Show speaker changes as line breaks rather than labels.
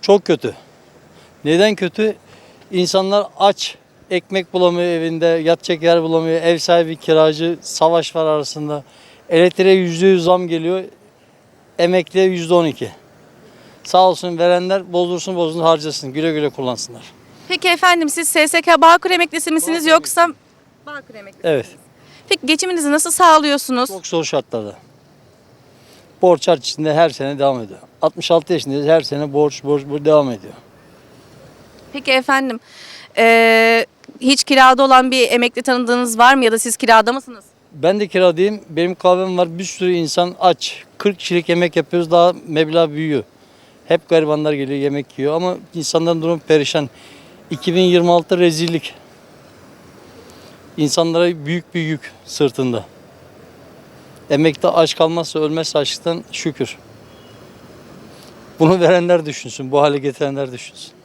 Çok kötü. Neden kötü? İnsanlar aç. Ekmek bulamıyor evinde, yatacak yer bulamıyor. Ev sahibi, kiracı, savaş var arasında. Elektriğe %100 zam geliyor. Emekliye %12. Sağ olsun verenler bozdursun harcasın. Güle güle kullansınlar.
Peki efendim siz SSK Bağkur emeklisi misiniz yoksa Bağkur emeklisi
Evet.
misiniz? Peki geçiminizi nasıl sağlıyorsunuz?
Çok zor şartlarda. Borç harç içinde her sene devam ediyor. 66 yaşındayız, her sene borç devam ediyor.
Peki efendim hiç kirada olan bir emekli tanıdığınız var mı ya da siz kirada mısınız?
Ben de kiradayım. Benim kahvem var. Bir sürü insan aç. 40 kişilik yemek yapıyoruz. Daha meblağ büyüyor. Hep garibanlar geliyor yemek yiyor ama insanların durumu perişan. 2026 rezillik. İnsanlara büyük bir yük sırtında. Emekli aç kalmazsa ölmezse açlıktan şükür. Bunu verenler düşünsün. Bu hale getirenler düşünsün.